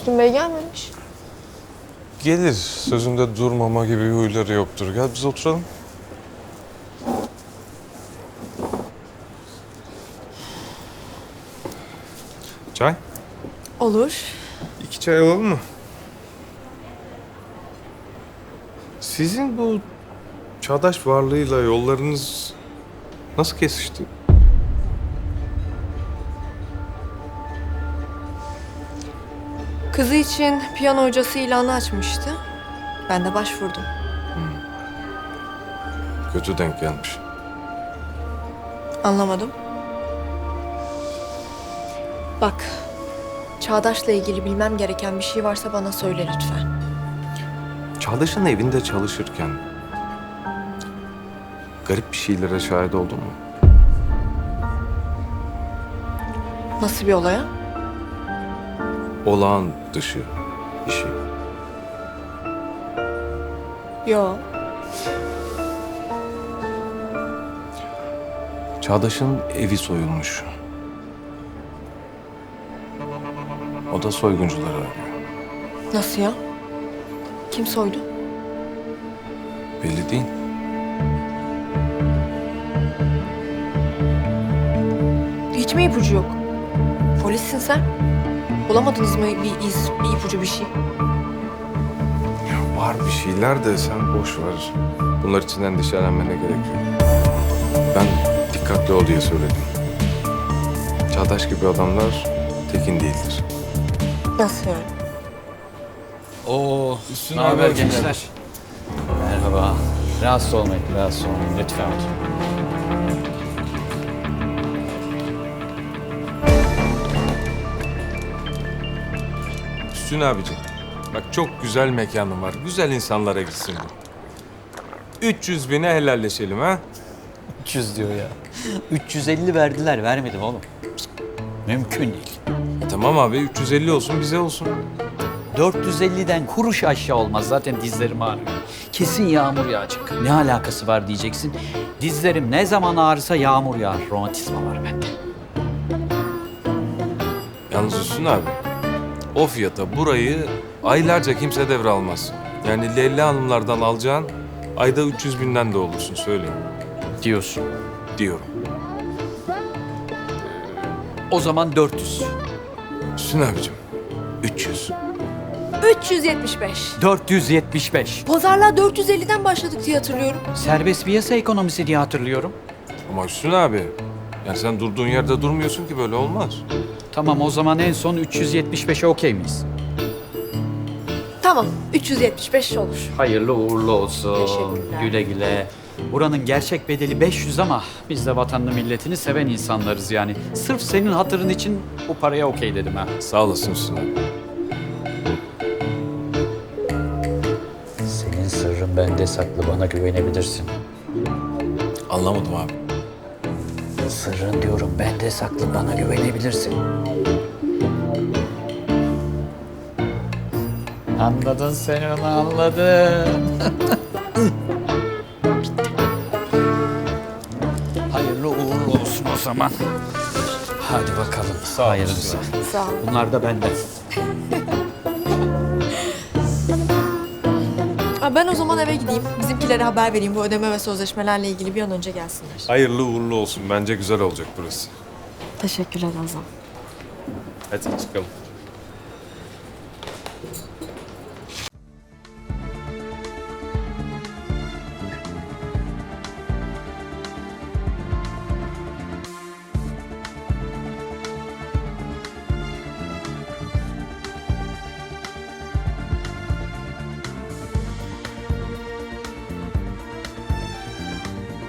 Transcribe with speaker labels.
Speaker 1: Müslüm Bey gelmemiş.
Speaker 2: Gelir. Sözünde durmama gibi huyları yoktur. Gel biz oturalım. Çay?
Speaker 1: Olur.
Speaker 2: 2 çay alalım mı? Sizin bu çağdaş varlığıyla yollarınız nasıl kesişti?
Speaker 1: Kızı için piyano hocası ilanı açmıştı. Ben de başvurdum.
Speaker 2: Kötü denk gelmiş.
Speaker 1: Anlamadım. Bak, Çağdaş'la ilgili bilmem gereken bir şey varsa bana söyle lütfen.
Speaker 2: Çağdaş'ın evinde çalışırken garip bir şeylere şahit oldun mu?
Speaker 1: Nasıl bir olaya?
Speaker 2: Olağan dışı bir şey.
Speaker 1: Yo.
Speaker 2: Çağdaş'ın evi soyulmuş. O da soyguncuları arıyor.
Speaker 1: Nasıl ya? Kim soydu?
Speaker 2: Belli değil.
Speaker 1: Hiç mi ipucu yok? Polissin sen. Bulamadınız mı bir iz, bir ipucu bir şey?
Speaker 2: Ya var bir şeyler de sen boş ver. Bunlar için endişelenmene gerek yok. Ben dikkatli ol diye söyledim. Çağdaş gibi adamlar tekin değildir.
Speaker 1: Nasıl yani?
Speaker 3: Oo,
Speaker 2: Üstüne
Speaker 3: ne haber
Speaker 2: abi,
Speaker 3: gençler? Merhaba. Rahatsız olmayın, rahatsız olmayın. Lütfen oturun.
Speaker 2: Hüsnü abicim, bak çok güzel mekanım var. Güzel insanlara gitsin bu. 300 bine helalleşelim ha.
Speaker 3: 300 diyor ya. 350 verdiler, vermedim oğlum. Cık, mümkün değil.
Speaker 2: Tamam abi 350 olsun bize olsun.
Speaker 3: 450'den kuruş aşağı olmaz. Zaten dizlerim ağrıyor. Kesin yağmur yağacak. Ne alakası var diyeceksin. Dizlerim ne zaman ağrısa yağmur yağar. Romatizma var bende.
Speaker 2: Yalnız Hüsnü abi, o fiyata burayı aylarca kimse devralmaz. Yani Leyla Hanımlardan alacağın ayda 300 binden de olursun söyleyeyim.
Speaker 3: Diyorsun.
Speaker 2: Diyorum.
Speaker 3: O zaman 400.
Speaker 2: Hüsnü abicim, 300.
Speaker 1: 375.
Speaker 3: 475.
Speaker 1: Pazarlığa 450'den başladık diye hatırlıyorum.
Speaker 3: Serbest piyasa ekonomisi diye hatırlıyorum.
Speaker 2: Ama Hüsnü abi, yani sen durduğun yerde durmuyorsun ki böyle olmaz.
Speaker 3: Tamam o zaman en son 375'e okey miyiz?
Speaker 1: Tamam, 375 olur.
Speaker 3: Hayırlı uğurlu olsun.
Speaker 1: Teşekkürler.
Speaker 3: Güle güle. Buranın gerçek bedeli 500 ama biz de vatanını milletini seven insanlarız yani. Sırf senin hatırın için bu paraya okey dedim ha.
Speaker 2: Sağ olasın Hüsnü abi.
Speaker 3: Senin sırrın bende saklı, bana güvenebilirsin.
Speaker 2: Anlamadım abi.
Speaker 3: Sırrın diyorum bende saklı, bana güvenebilirsin. Anladın sen onu, anladın. Hayırlı uğurlu olsun o zaman. Hadi bakalım. Hayırlısı.
Speaker 1: Sağ ol.
Speaker 3: Bunlar da benden.
Speaker 1: Ben o zaman eve gideyim. Bizimkilere haber vereyim. Bu ödeme ve sözleşmelerle ilgili bir an önce gelsinler.
Speaker 2: Hayırlı uğurlu olsun. Bence güzel olacak burası.
Speaker 1: Teşekkürler Azam.
Speaker 2: Hadi çıkalım.